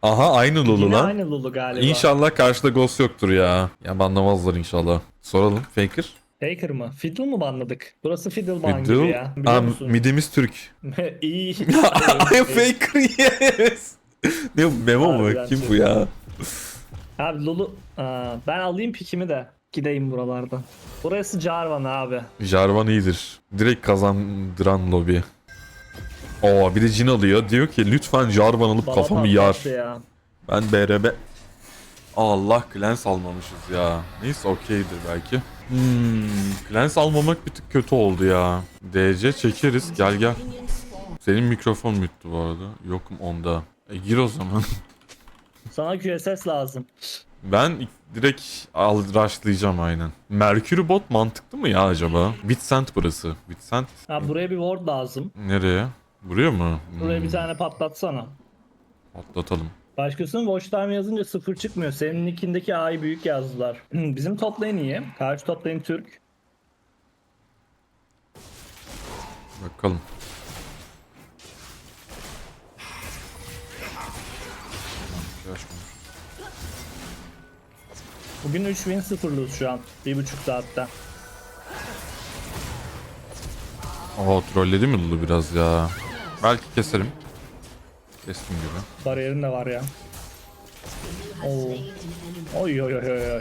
Aha aynı Lulu Yine lan. aynı Lulu galiba. İnşallah karşıda Ghost yoktur ya. Ya banlamazlar inşallah. Soralım. Faker. Faker mı? Fiddle mu banladık? Burası Fiddle ban gibi Fiddle. ya. Biliyor musun? Midimiz Türk. İyi. Faker yes. Ne bu, Memo mu? Harbiden Kim çok bu ya? Abi Lulu. Ben alayım pikimi de. Gideyim buralardan. Burası Jarvan abi. Jarvan iyidir. Direkt kazandıran lobi. Oo bir de Jhin alıyor. Diyor ki lütfen Jarvan alıp Bana kafamı yar. patlattı ya. Ben BRB... Allah Clans almamışız ya. Neyse okeydir belki. Clans almamak bir tık kötü oldu ya. DC çekeriz. Gel gel. Senin mikrofon müttü bu arada. Yokum onda. Gir o zaman. Sana QSS lazım. Ben direkt rushlayacağım aynen. Mercury bot mantıklı mı ya acaba? Bitsent burası. Bitsent Ha, buraya bir ward lazım. nereye? Buraya mı? Buraya bir tane patlatsana. Atlatalım. Başkasının watch time yazınca sıfır çıkmıyor. Senin nickindeki A'yı büyük yazdılar. Bizim top lane iyi. Karşı top lane Türk. Bakalım. Bugün 3 win 0 lose şu an. 1,5 saatte. Oo trolledi mi Lulu biraz ya? Belki keserim. Kestim gibi. Bariyerin de var ya. Oo. Oy oy oy oy oy.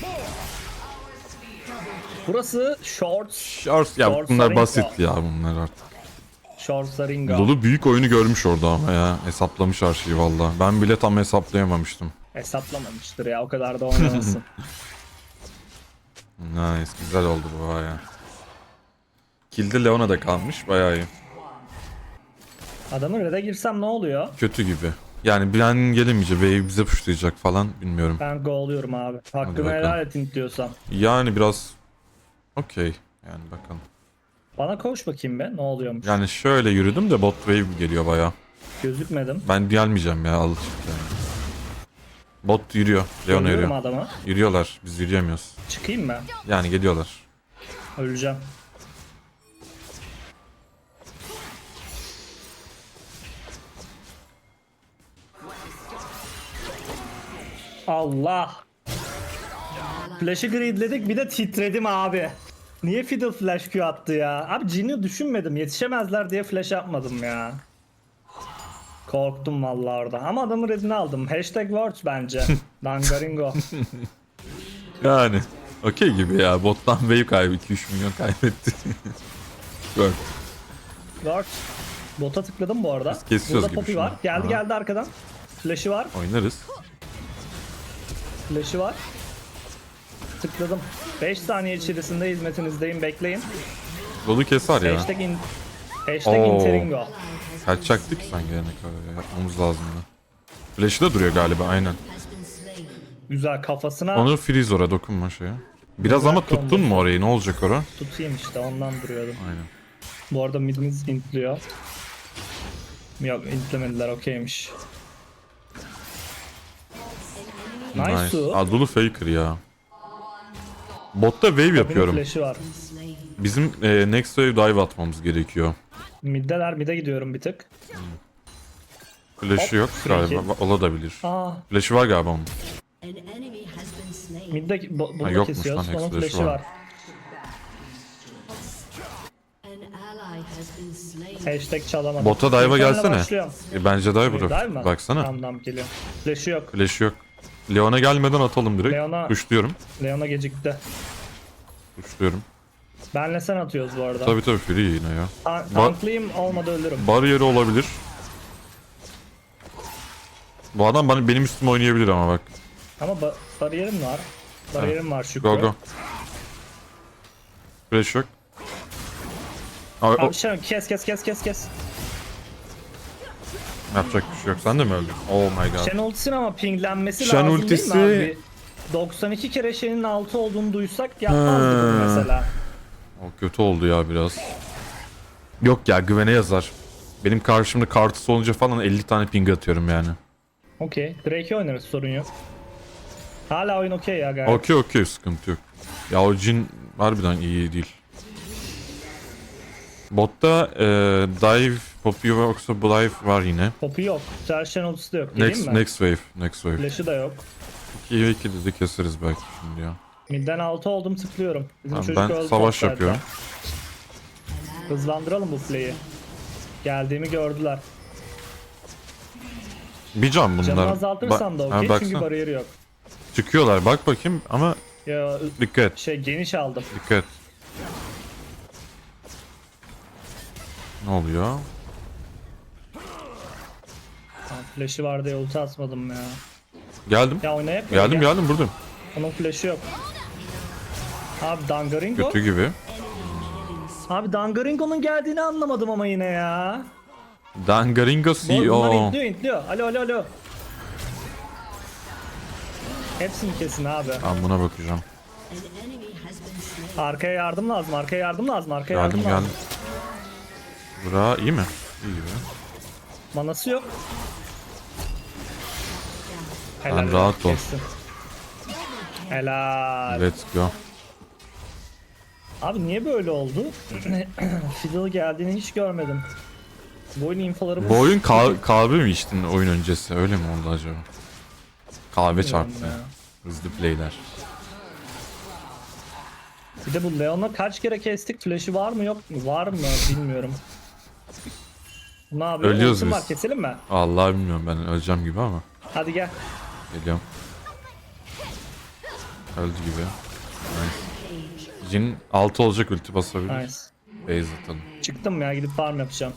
Burası Shorts. Shorts ya Shorts bunlar Saringa. basit ya bunlar artık. Shorts Saringa. Lulu büyük oyunu görmüş orada ama ya. Hesaplamış her şeyi valla. Ben bile tam hesaplayamamıştım. Hesaplamamıştır ya, o kadar da oynamasın. Nice güzel oldu bu baya. Kill'de Leona da kalmış bayağı iyi. Adamın red'e girsem ne oluyor? Kötü gibi. Yani bir an gelemeyecek wave bize pushlayacak falan bilmiyorum. Ben go'luyorum abi. Hakkını bakalım. helal et diyorsam. Yani biraz okey. Yani bakalım. Bana koş bakayım be, ne oluyormuş. Yani şöyle yürüdüm de bot wave geliyor baya. Gözükmedim. Ben gelmeyeceğim ya alışık yani. Bot yürüyor. Leona Görüyorum yürüyor. adamı. Yürüyorlar. Biz yürüyemiyoruz. Çıkayım mı? Yani geliyorlar. Öleceğim. Allah. Flash'ı gridledik, bir de titredim abi. Niye Fiddle flash Q attı ya? Abi Jin'i düşünmedim. Yetişemezler diye flash yapmadım ya. Korktum vallahi orada. Ama adamın redini aldım. Hashtag words bence. Dangaringo. Yani okey gibi ya. Bottan wave kaybı 2-3 milyon kaybetti. Gör. Words. Bota tıkladım bu arada. Biz kesiyoruz Burada gibi Poppy şu an. var. Geldi Aha. geldi arkadan. Flash'ı var. Oynarız. Flash'ı var. Tıkladım. 5 saniye içerisinde hizmetinizdeyim. Bekleyin. Lulu keser ya. Hashtag Oo. Interingo. Kaçacaktık sen gelene kadar ya. Yapmamız lazımdı. Flash'ı da duruyor galiba aynen. Güzel, kafasına Onu freeze oraya dokunma şeye. Biraz ama tuttun mu orayı? Ne olacak ora? tutayım işte, ondan duruyordum. Aynen. Bu arada midimiz intliyor. Yok, intlemediler, okeymiş. Nice su. Aa, Lulu faker ya. Botta wave yapıyorum. Flash'ı var. Bizim next wave dive atmamız gerekiyor. Middeler, mid'e gidiyorum bir tık. Flash'ı yok free galiba. kill. Olabilir. Aa, Flash'ı var galiba onun. midde bunu da yokmuş kesiyoruz. lan, Onun flash'ı flash'ı var. var. Hashtag çalamadım. Bota dive'a Bir tane gelsene. başlıyorum. Bence dive Dive bırak. mı? Baksana. Tamam, geliyor. Flash'ı yok. Flash'ı yok. Leon'a gelmeden atalım direkt. Leon'a- Pushluyorum. Leona gecikti. Pushluyorum. Benle sen atıyoruz bu arada. Tabii free yine ya. Tanklayayım, olmadı ölürüm. Bariyeri olabilir. Bu adam benim üstüme oynayabilir ama bak. Ama bariyerim var. Bariyerim var Şükrü. Go go. Flash yok. Abi, Abi şey, kes. yapacak bir şey yok. Sen de mi öldün? Oh my god. Shen ultisinin ama pinglenmesi Shen lazım ultisi- değil mi abi? 92 kere Shen'in 6 olduğunu duysak yapmazdık bunu mesela. O kötü oldu ya biraz. Yok ya güvene yazar. Benim karşımda kartısı olunca falan 50 tane ping atıyorum yani. Okey. Drake'i oynarız, sorun yok. Hala oyun okey ya gayet. Okey sıkıntı yok. Ya o Jhin harbiden iyi değil. Botta dive Poppy yoksa Blythe var yine. Poppy yok. Serşen ultisi de yok. Geleyim mi? Next wave. Next wave. Flash'ı da yok. 2'ye 2 dedi keseriz belki şimdi ya. Midden 6 oldum tıklıyorum. Bizim Tamam, çocuk ben öldü savaş toplarda. yapıyorum. Hızlandıralım bu play'i. Geldiğimi gördüler. Bir can bunlar. Canını azaltırsam da okey çünkü baksana. bariyeri yok. Çıkıyorlar bak bakayım ama Ya dikkat geniş aldım. dikkat. Ne oluyor? Tamam, flash'ı var diye ulti atmadım ya. Geldim. Ya oynayak mı? Geldim Gel. geldim buradayım. Onun flash'ı yok. Abi Dangaringo. Kötü gibi. Abi Dangaringo'nun geldiğini anlamadım ama yine ya. Dangaringo Bunlar CEO. intliyor. Alo. Hepsini kesin abi. Ben buna bakacağım. Arkaya yardım lazım. Geldim geldim. Bura iyi mi? İyi gibi. Manası yok. Sen rahat ol. kestim. Helal. Let's go. Abi niye böyle oldu? Fiddle geldiğini hiç görmedim. Bu oyun infoları Bu oyun kahve mi içtin oyun öncesi? Öyle mi oldu acaba? Kahve çarptı. ya. Hızlı playler. Bir de bu Leon'a kaç kere kestik? Flash'ı var mı yok mu? Var mı bilmiyorum. Ne yapıyor? Ölüyoruz Ultim biz. var, keselim mi? Allah bilmiyorum ben öleceğim gibi ama. Hadi gel. Geliyorum. Öldü gibi. Nice. Jin 6 olacak ulti basabilir. Nice. Base atalım. Çıktım ya, gidip farm yapacağım.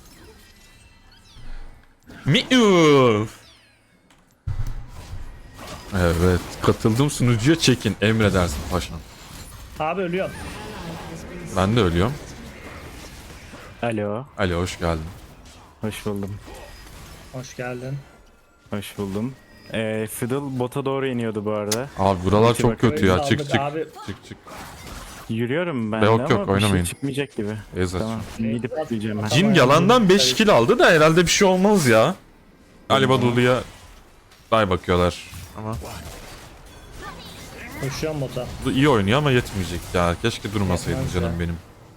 Evet. Katıldığım sunucuya çekin. Emredersin paşam. Abi ölüyorum. Ben de ölüyorum. Alo, Ali hoş geldin. hoş buldum. Hoş geldin. Hoş buldum. Fiddle bota doğru iniyordu bu arada. Abi buralar Peki, çok bakayım. kötü ya. Aldık Çık çık. abi. Çık. Yürüyorum ben Yok, de yok, ama bir oynamayın. şey çıkmayacak gibi. Beyza. Tamam, gidip diyeceğim ben. Jin yalandan 5 kill aldı da herhalde bir şey olmaz ya. Galiba Lulu'ya day bakıyorlar. Ama Koşuyorum bota. Lulu iyi oynuyor ama yetmeyecek ya. Keşke durmasaydın Yetmez canım ya. benim.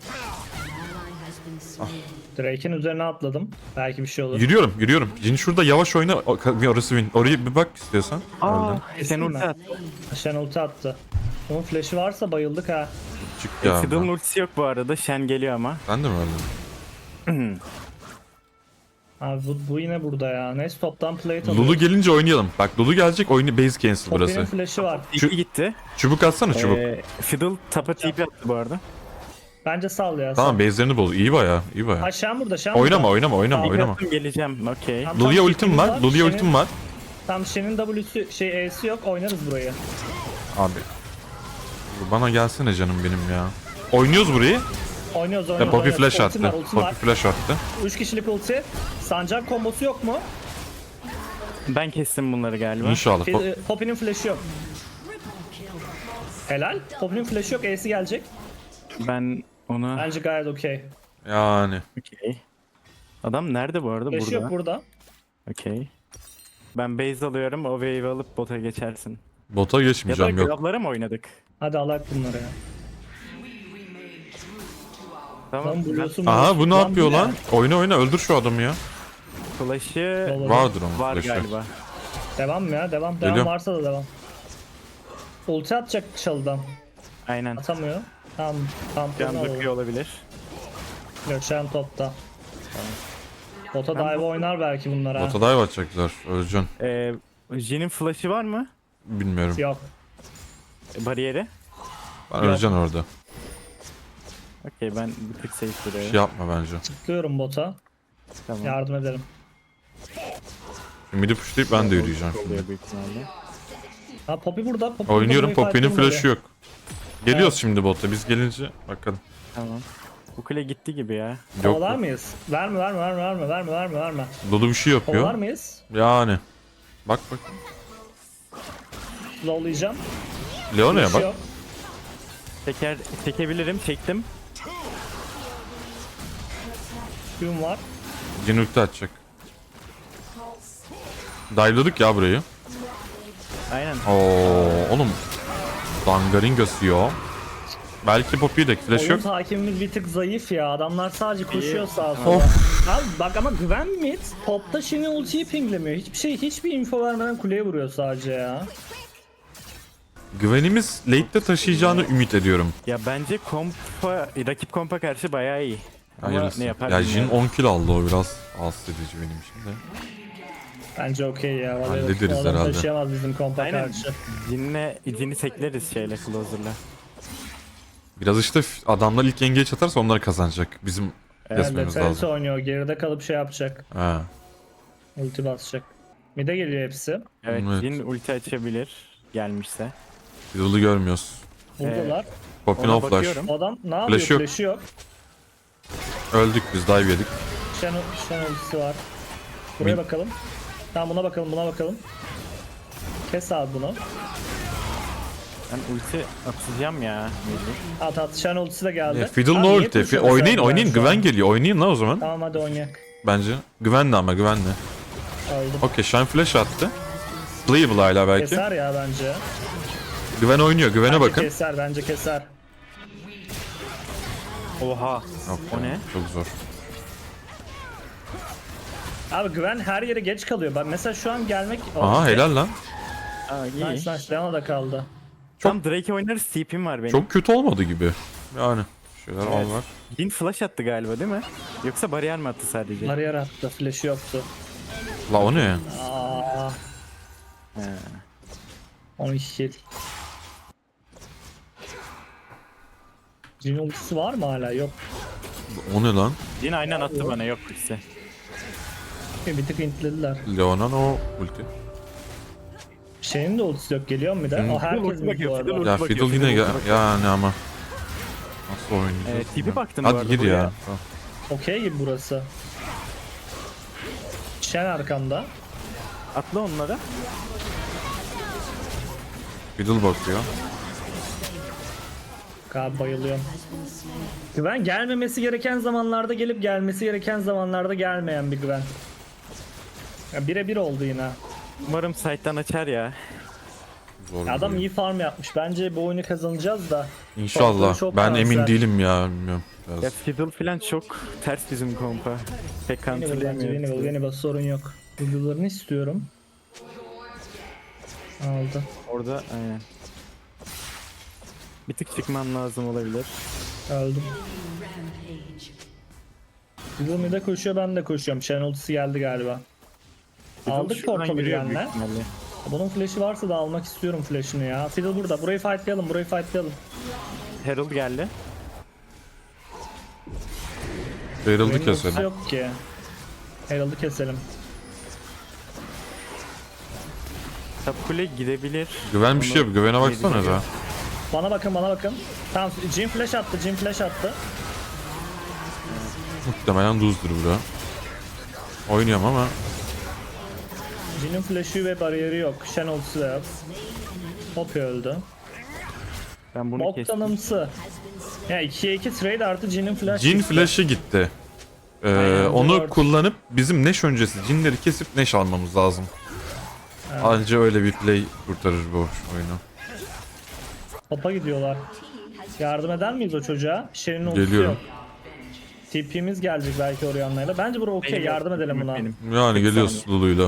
Drake'in üzerine atladım. Belki bir şey olur. Yürüyorum. Jin şurada yavaş oyna. Orası win. Oraya bir bak istiyorsan. Aa, Öldü. sen mi? ulti at. Shen ulti attı. Onun flash'ı varsa bayıldık ha. Çık ya. Fiddle'ın ultisi yok bu arada. Shen geliyor ama. Ben de mi öldüm? Abi bu yine burada ya. Neyse toptan plate alıyor. Lulu gelince oynayalım. Bak Lulu gelecek oyunu base cancel Poppy'nin burası. flash'ı var. Şu- TP gitti. Çubuk atsana çubuk. Fiddle tapa TP attı bu arada. Bence sal ya. Tamam base'lerini bul. İyi baya. Ha Shen burada. Oynama. Tamam. TP geleceğim. Okey. Tamam, Lulu'ya tam ultim TP'miz var. Lulu'ya Shen'in- ultim var. Tam Shen'in W'si E'si yok. Oynarız burayı. Abi. Bana gelsene canım benim ya. Oynuyoruz burayı. Oynuyoruz. Poppy flash Ultim attı. var, ultim var. Poppy flash attı. 3 kişilik ulti. Sancak kombosu yok mu? Ben kestim bunları galiba. İnşallah. Poppy'nin flash'ı yok. Helal. Poppy'nin flash'ı yok. E'si gelecek. Ben onu... Bence gayet okey. Yani. Okey. Adam nerede bu arada? Flash'ı yok Burada. burada. Okey. Ben base alıyorum. O wave alıp bota geçersin. Bota Ya da geçmeyeceğim yok. grablara mı oynadık? Hadi alak bunları ya. Tamam. Lan Ben buluyorsun. Aha bu ne Lan yapıyor bu ne? lan? Oyna öldür şu adamı ya. flash'ı Olur. Vardır onun var flash'ı. galiba. Devam ya devam. Devam Geliyorum. varsa da devam. Ulti atacak çalıdan. Aynen. Atamıyor. Tamam. Tamam. Can bakıyor olabilir. Gökşen topta. Bota dive oynar belki bunlar ha. Bota dive atacaklar. Öleceksin. Jin'in flash'ı var mı? Bilmiyorum. Yok. Bariyeri. Ben öleceksin orada. Okey ben bir tık safe Bir duruyorum. şey yapma bence. Tıklıyorum bota. Tamam. Yardım ederim. Şimdi midi pushlayıp ben de yürüyeceğim şimdi. şey Oluyor büyük ihtimalle. Ha Poppy burada. Poppy Oynuyorum. burada, Poppy'nin fight'ım flash'ı yok. Geliyoruz şimdi bota. Biz gelince bakalım. Tamam. Bu kule gitti gibi ya. Yok. Kovalar mıyız? Verme. Lulu bir şey Kovalar yapıyor. mıyız? Yani. Bak. Slowlayacağım. Leona'ya Bir şey bak. yok. Çekebilirim. Çektim. Q'm var. Jin ulti atacak. Dive'ladık ya burayı. Aynen. Oo, oğlum. Dangaringo CEO. Belki Poppy'de flash Oyun yok. takibimiz bir tık zayıf ya. Adamlar sadece koşuyor sağa sola. Of. Abi bak ama Gwen mid topta şimdi ultiyi pinglemiyor. Hiçbir info vermeden kuleye vuruyor sadece ya. Güvenimiz late'de taşıyacağını ümit ediyorum. Ya bence rakip kompa karşı bayağı iyi. Ama Hayırlısı. ne yapar Ya Jin bilmiyorum. 10 kill aldı, o biraz rahatsız edici benim için de. Bence okey ya. Vallahi Hallederiz o adam herhalde. taşıyamaz bizim kompa Aynen. karşı. Jin'i tekleriz Closer'la. Biraz işte adamlar ilk engage atarsa onlar kazanacak. Bizim kesmemiz Leferes lazım. oynuyor. Geride kalıp şey yapacak. Ha. Ulti basacak. Mid'e geliyor hepsi. Evet, Evet. Jin ulti açabilir gelmişse. Fiddle'ı görmüyoruz. Buradalar. Poppy Ona no flash. bakıyorum. O adam ne yapıyor? Flash yok. Flash'ı yok. Öldük biz, dive yedik. Shen ultisi var. Buraya Mid- bakalım. Tamam buna bakalım. Kes abi bunu. Ben ulti atacağım ya. mecbur. At Shen ultisi de geldi. Fiddle Abi no niye ulti. koşuyor Oynayın mesela oynayın, şu an? güven geliyor. Oynayın lan o zaman. Tamam hadi oynayak. Bence. Güvenli ama güvenli. Öldüm. Okey, Shine flash attı. Playable hala belki. Keser ya bence. Güven oynuyor. Güvene Bence bakın. keser bence keser. Oha. Yok O ya, ne? çok zor. Abi Güven her yere geç kalıyor. Ben mesela şu an gelmek... Aha helal lan. Aa, iyi. Nice nice. Leona da kaldı. Tam Drake oynarız, TP'm var benim. Çok kötü olmadı gibi. Yani. Şeyler Evet. var. Jin flash attı galiba değil mi? Yoksa bariyer mi attı sadece? Bariyer attı. Flash'ı yoktu. La o ne? Aa, He. 12 kill. Jin ultisi var mı hala? Yok. O ne lan? Jin aynen attı bana, yok işte. Bir tık intlediler. Leona'nın o ulti. Şeyin de ultisi yok. Geliyor mu bir de? O herkes ulti mi bu bakıyor, arada? Fiddle Ya bakıyor, Fiddle yine Fiddle bakıyor. yani ama. Nasıl oynayacağız? TP baktın bu Hadi arada gir buraya. ya. Tamam. Okey gibi burası. Shen arkamda. Atla onlara. Fiddle bakıyor. Abi bayılıyorum. Güven gelmemesi gereken zamanlarda gelip gelmesi gereken zamanlarda gelmeyen bir Güven. Ya birebir oldu yine. Umarım site'dan açar ya. Zor. Ya adam bir oyun. iyi farm yapmış. Bence bu oyunu kazanacağız da. İnşallah. Topları çok Ben emin kanser. değilim ya. Bilmiyorum. Ya Biraz. Fiddle falan çok ters bizim kompa. Pek Yeni counterlayamıyor. bas sorun yok. Videolarını istiyorum. Aldı. Orada aynen. Bir tık çıkman lazım olabilir. Öldüm. Fiddle mid'e koşuyor, ben de koşuyorum. Shen ultisi geldi galiba. Fiddle Aldık şuradan portalı yürüyor büyük gelenler. ihtimalle. Bunun flash'i varsa da almak istiyorum flash'ını ya. Fiddle burada. Burayı fightlayalım. Herald geldi. Herald'ı Benim ultisi keselim. yok ki. Herald'ı keselim. Top kule gidebilir. Güven bir şey yap. Güvene baksana Yedi be. Bana bakın. Tamam, Jin flash attı. Muhtemelen duzdur bura. Oynuyorum ama. Jin'in flash'ı ve bariyeri yok. Shen ultisi de yok. Poppy öldü. Ben bunu kestim. Boktanımsı. Ya 2'ye 2 trade artı Jin'in flash. Jin gitti. flash'ı gitti. Aynen, Onu dört. kullanıp bizim Neş öncesi Jin'leri kesip Neş almamız lazım. Anca öyle bir play kurtarır bu oyunu. Top'a gidiyorlar. Yardım eder miyiz o çocuğa? Shen'in ultisi Geliyorum. yok. TP'miz gelecek belki Orion'layla. Bence bura okey. Benim Yardım yok, edelim buna. benim. Yani geliyoruz Lulu'yla.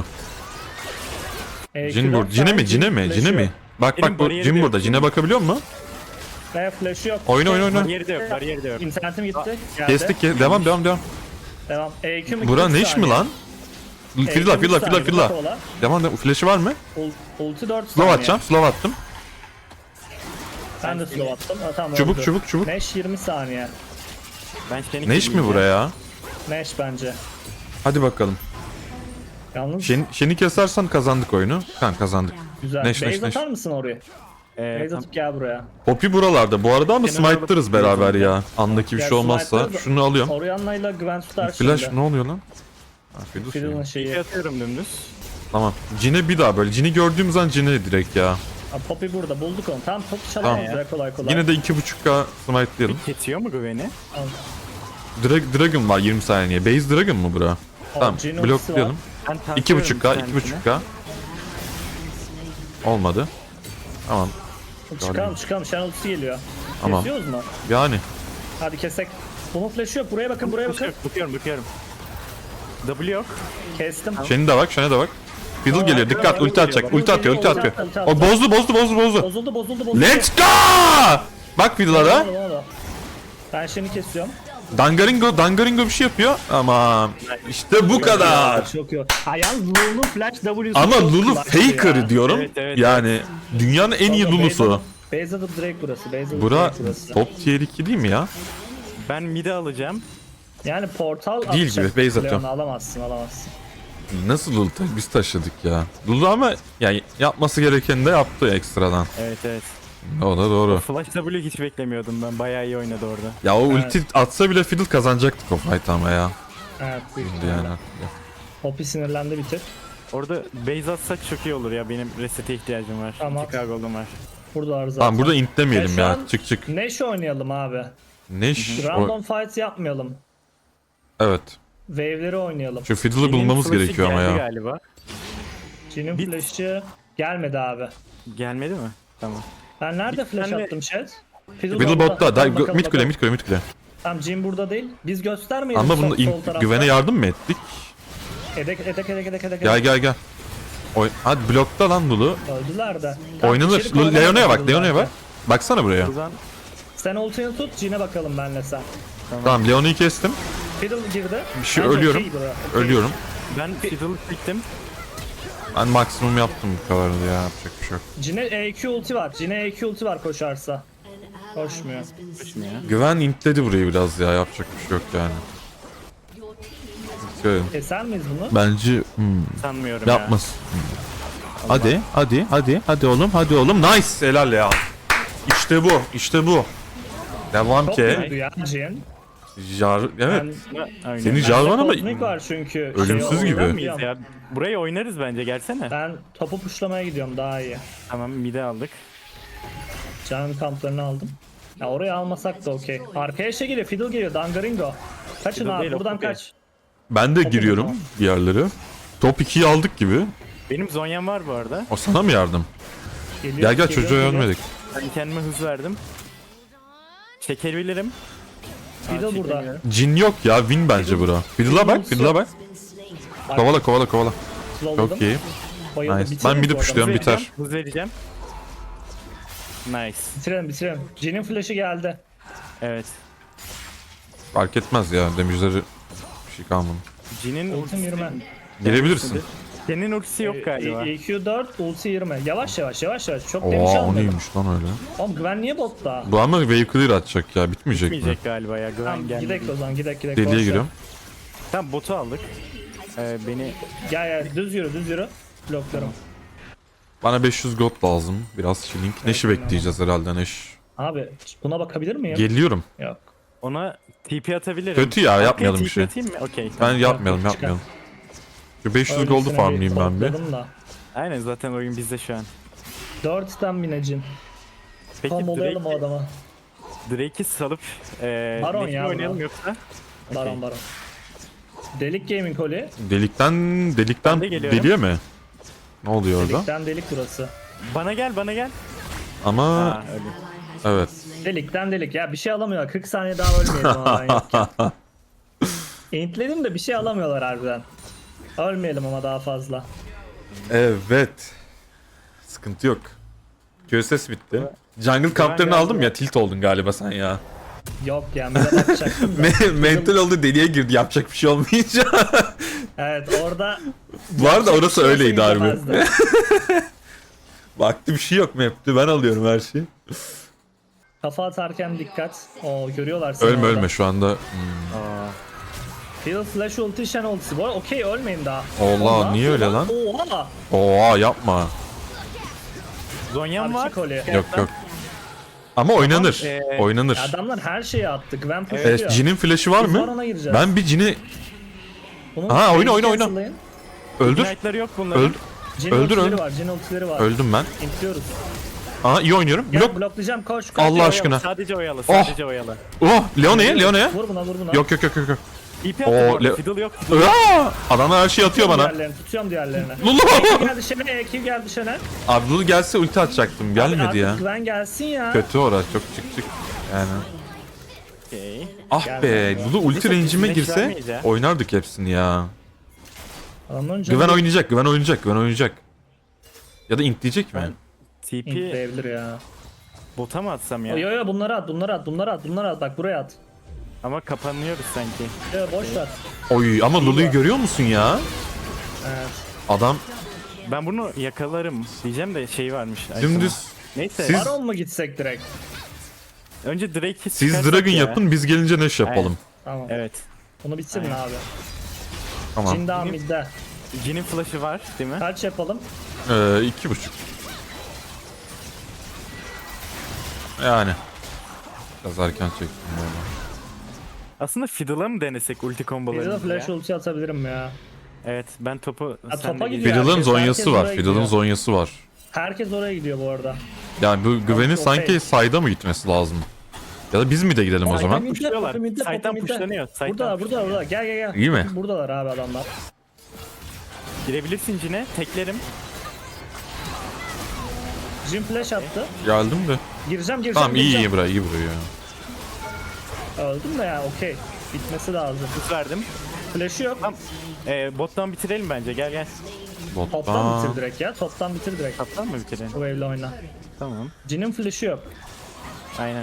Jin burada. Cine mi? Flash'ı yok. Bak Benim bak bu bariyeri Jin de burada. yok. Jin'e bakabiliyor musun? Veya flash'ı yok. Oyna. Bariyeri de yok, bariyeri de yok. İnternetim gitti. Geldi. Kestik. Devam. Devam. EQ mu? Bura 40 ne iş mi saniye. lan? Filla. EQ 40 saniye, Filla. kola. Devam. Flash'ı var mı? Ulti 4 Slow saniye. atacağım. Slow attım. Ben de slow attım. Ha, tamam, Çubuk, öldü. çubuk. Neş 20 saniye. Ben seni Ne iş mi buraya? Neş bence. Hadi bakalım. Yalnız Şeni kesersen kazandık oyunu. Kazandık. güzel. Neş. Base atar mısın oraya? Base tam, atıp gel buraya. Poppy buralarda bu arada ama Kenara smite'larız alıp beraber gideceğim. ya. Andaki bir Ya şey olmazsa smite'larız. şunu alıyorum. Orianna'yla Gwen tutar Flash şimdi. ne oluyor lan? Ha, Fiddle Fiddle'ın şey. şeyi. TP atıyorum dümdüz. Tamam. Jin'e bir daha böyle. Jin'i gördüğümüz an Jin'e direkt ya. Ha, Poppy burada bulduk onu. Tamam Poppy çalamayız Tamam. ya kolay. Yine de 2.5k smite'layalım. Kesiyor mu güveni? Dragon var 20 saniye. Base Dragon mu bura? Tamam. Jin ultisi Bloklayalım. Ben tanklıyorum 2.5k, bir tanesini. 2.5k. Olmadı. Tamam. Çıkalım. Shen ultisi geliyor. Tamam. Kesiyoruz mu? Yani. Hadi kesek. Bunun flash'ı yok. Buraya bakın. Bakıyorum. W yok. Kestim. Shen'e de bak, Shen'e de bak. Fiddle geliyor, dikkat, ulti atacak, ulti atıyor, ulti atıyor. Ulti O bozdu. Bozuldu. Let's go! Bak Fiddle'a da. Oldu. Ben şimdi kesiyorum. Dangaringo bir şey yapıyor. Ama işte bu kadar. Çok iyi. Ha yalnız Lulu Flash W'su Ama çok Lulu clutch ya. faker diyorum. Evet. Yani dünyanın en iyi Lulu'su. Base atıp Drake burası. Base atıp Bura Drake burası. top tier 2 değil mi ya? Ben mid'e alacağım. Yani portal Değil atacak. gibi, base Leon'u atıyorum. alamazsın. Nasıl Lulu biz taşıdık ya. Lulu ama yani yapması gerekeni de yaptı ekstradan. Evet. O da doğru. Flash W hiç beklemiyordum ben. Bayağı iyi oynadı orada. Ya o Evet. ulti atsa bile Fiddle kazanacaktık o fight ama ya. Evet. büyük Şimdi ihtimalle. yani. Poppy sinirlendi bir tık. Orada base atsak çok iyi olur ya. Benim reset'e ihtiyacım var. Tamam. Chicago'lum var. Burada zaten. Tamam burada intlemeyelim şu ya. an Çık. Neş oynayalım abi. Neş. Random fight yapmayalım. Evet. Wave'leri oynayalım. Şu Fiddle'ı bulmamız Flash'ı gerekiyor ama geldi ya. Galiba. Jin'in Bit- flash'ı gelmedi abi. Gelmedi mi? Tamam. Ben nerede Bir flash tane- attım chat? Fiddle botta. Bakalım, Mid kule. bakalım. Tamam Jin burada değil. Biz göstermeyelim Ama bunda sol tarafta. güvene yardım mı ettik? Edek. Gel. Hadi blokta lan Lulu. Öldüler de. Oynanır. içeri koyalım, Leona'ya bak, öldüler Leona'ya de. bak. Baksana buraya. Buradan Sen ultini tut, Jin'e bakalım benle sen. Tamam Leona'yı kestim. Fiddle girdi. Bir şey Bence ölüyorum. okey bura. Ölüyorum. ben Fiddle'ı çektim. Ben maksimum yaptım bu kadardı ya. Yapacak bir şey yok. Jin'e EQ ulti var. Jin'e EQ ulti var koşarsa. Koşmuyor. Şimdi ya. Güven intledi burayı biraz ya. Yapacak bir şey yok yani. Şöyle. Keser miyiz bunu? Bence Sanmıyorum yapmaz. Hadi oğlum. Nice. Helal ya. İşte bu. Devam Çok ki. kötü ya Jin. Evet. Ben, ya. Aynen. Seni Jarvan ama Kozmik var çünkü. ölümsüz Şey, gibi. oynar Miyiz mıyım? ya? Burayı oynarız bence gelsene. Ben topu puşlamaya gidiyorum daha iyi. Tamam mid'e aldık. Canın kamplarını aldım. Ya oraya almasak da okey. Arkaya şey geliyor, Fiddle geliyor, Dangaringo. Kaçın Fiddle abi, değil, o buradan Poppy. kaç. Ben de giriyorum bir yerlere. Top 2'yi aldık gibi. Benim Zonya'm var bu arada. O sana mı yardım? Geliyor, Gel çocuğa ölmedik. Ben kendime hız verdim. Çekebilirim. Fiddle burada. çekemiyorum. Cin yok ya, win bence bura. Fiddle'a bak. Kovala. Slowladım. Çok iyi. Bayıldı. Nice. Bitirelim Ben mid'i bu arada. pushluyorum, Hız biter. vereceğim, Hız vereceğim. Nice. Bitirelim. Jin'in flash'ı geldi. Evet. Fark etmez ya, damage'leri bir şey kalmadı. Jin'in Ultim yürüme. Girebilirsin. Senin ultisi yok galiba. EQ 4, ulti 20. Yavaş. Çok demiş Oha o almadım. neymiş lan öyle. Oğlum Gwen niye botta? Bu ama wave clear atacak ya, bitmeyecek mi? Bitmeyecek galiba ya. Güven Tamam gelmedi. gidek o zaman gidek. Deliye boş ver. giriyorum. Tamam botu aldık. Beni Gel düz yürü. Bloklarım. Bana 500 gold lazım. Biraz shilling. Neş'i bekleyeceğiz herhalde Neş. Abi buna bakabilir miyim? Geliyorum. Yok. ona TP atabilirim. Kötü ya, Arkaya yapmayalım bir TP şey. atayım mı? Okey. Ben Tamam. yapmayalım. Şu 500 gold'u Öylesine farmlayayım ben bir. topladım da. Aynen zaten oyun bizde şu an. 4'ten binecin. Peki Tam olayalım o adama. Drake'i salıp Baron Neş'i ya oynayalım bu. yoksa? Baron. Delik Gaming Holly. Delikten Ben de geliyorum. deliye mi? Ne oluyor orada? Delikten delik burası. Bana gel. Ama Ha, öyle. evet. Delikten delik. Ya bir şey alamıyorlar. 40 saniye daha ölmeyelim ama ben yokken. Intledim de bir şey alamıyorlar harbiden. Ölmeyelim ama daha fazla. Evet. Sıkıntı yok. QSS bitti. Jungle kamplarını aldım ya, tilt oldun galiba sen ya. Yok ya bir de bakacaktım da. Mental oldu, deliye girdi, yapacak bir şey olmayınca. Evet orada Bu arada orası şey öyleydi olsa harbi. izlemezdim. Baktı bir şey yok map'te, ben alıyorum her şeyi. Kafa atarken dikkat. Oo görüyorlar seni Ölme orada. ölme şu anda. Aa, Fiddle Flash ulti, Shen ultisi. Bu arada okey ölmeyin daha. Allah, Oğlum, ne niye yapıyor öyle lan? Oha. Oha yapma. Zonya'm var. Archie Holly. Yok. Ama oynanır. Oynanır. Ya adamlar her şeyi attı. Gwen pushluyor. Jin'in flash'ı var Biz mı? Baron'a gireceğiz. Ben bir Jin'i Bunun Aha, oyna, base'i oyna. cancel'layın. öldür. Ignite'ları yok bunların. Öldür. Jin Öldür, ultileri öldür. var. Jin ultileri var. Öldüm ben. İntliyoruz. Aa iyi oynuyorum. Gel Blok. bloklayacağım koş. Allah Oyalı, aşkına. Sadece oyalı. Oh. Sadece oyalı. Oh, Leona'ya. Vur buna. Yok. TP Oo, attı bu arada. Le- Fiddle yok. Aa! Adamlar her şeyi atıyor bana. Tutuyorum diğerlerini. Lulu. EQ geldi Shen'e. EQ geldi Shen'e. Abi Lulu gelse ulti atacaktım. Gelmedi Artık ya. Gwen gelsin ya. Kötü orası, çok çık. Yani. Okey. Ah be, Lulu ulti range'ime Flash girse vermeyiz ya. oynardık hepsini ya. Adamların canı Güven oynayacak, Güven oynayacak, Güven oynayacak. Ya da intleyecek mi? TP intleyebilir ya. bota mı atsam ya? Yo yo bunları at, bunları at. Bak buraya at. Ama kapanıyoruz sanki. Yo boş ver. Oy ama Lulu'yu görüyor musun ya? Evet. Adam Ben bunu yakalarım diyeceğim de şey varmış. dümdüz. Neyse. Siz- Baron mu gitsek direkt? Önce Drake'i Siz çıkarsak Dragon ya. yapın, biz gelince Neş yapalım. Tamam. Evet. Bunu bitsin mi abi? Tamam. Jin daha midde. Jin'in flash'ı var değil mi? Kaç yapalım? 2,5. Yani. Biraz erken çektim böyle. Aslında Fiddle'a mı denesek ulti Bir de kombolarını flash ya? ulti atabilirim ya. Evet ben topu Ha, sen topa de gidiyor. Fiddle'ın herkes zonyası var. oraya Fiddle'ın gidiyor. zonyası var. Herkes oraya gidiyor bu arada. Yani bu Güven'in Okey. sanki sayda mı gitmesi lazım? Ya da biz mi de gidelim o Poppy zaman? midde, Pushluyorlar. Poppy midde, Side'dan Poppy midde. pushlanıyor, side'dan Burada. pushlanıyor. Gel. İyi mi? Buradalar abi adamlar. Girebilirsin Jin'e teklerim. Jin flash attı. Geldim de. Gireceğim. Tamam iyi gireceğim. buraya, iyi buraya. Öldüm de ya okey. Bitmesi lazım. Hız verdim. Flash'ı yok. Tamam. Bottan bitirelim bence gel. Toptan Bottan. bitir direkt ya. Toptan bitir direkt. Kaptan mı bitirelim? Bu wave'le oyna. Tamam. Jin'in flash'ı yok. Aynen.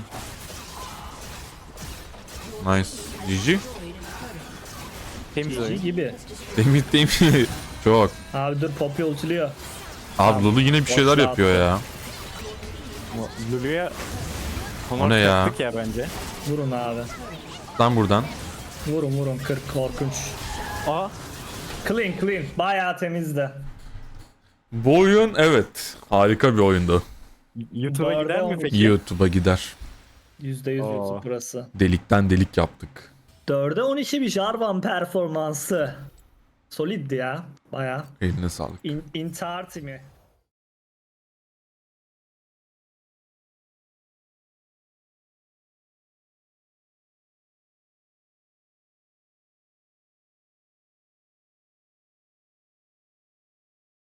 Nice. GG. Temiz GG oyun. gibi. Demitteyim. Çok. Abi dur Poppy ultiliyor. Abi Lulu yine bir şeyler Boşluğa yapıyor attı. ya. Lulu'ya O ne ya? yaptık ya bence. Vurun abi. Lan buradan. Vurun 40 korkunç. Aa Clean. Bayağı temizdi. Bu oyun evet. Harika bir oyundu. YouTube'a Bu arada gider mi olmuş. peki? YouTube'a gider. %100 Oo. YouTube burası. Delikten delik yaptık. 4'e 12 bir Jarvan performansı. Soliddi ya. Bayağı. Eline sağlık. İntihar timi.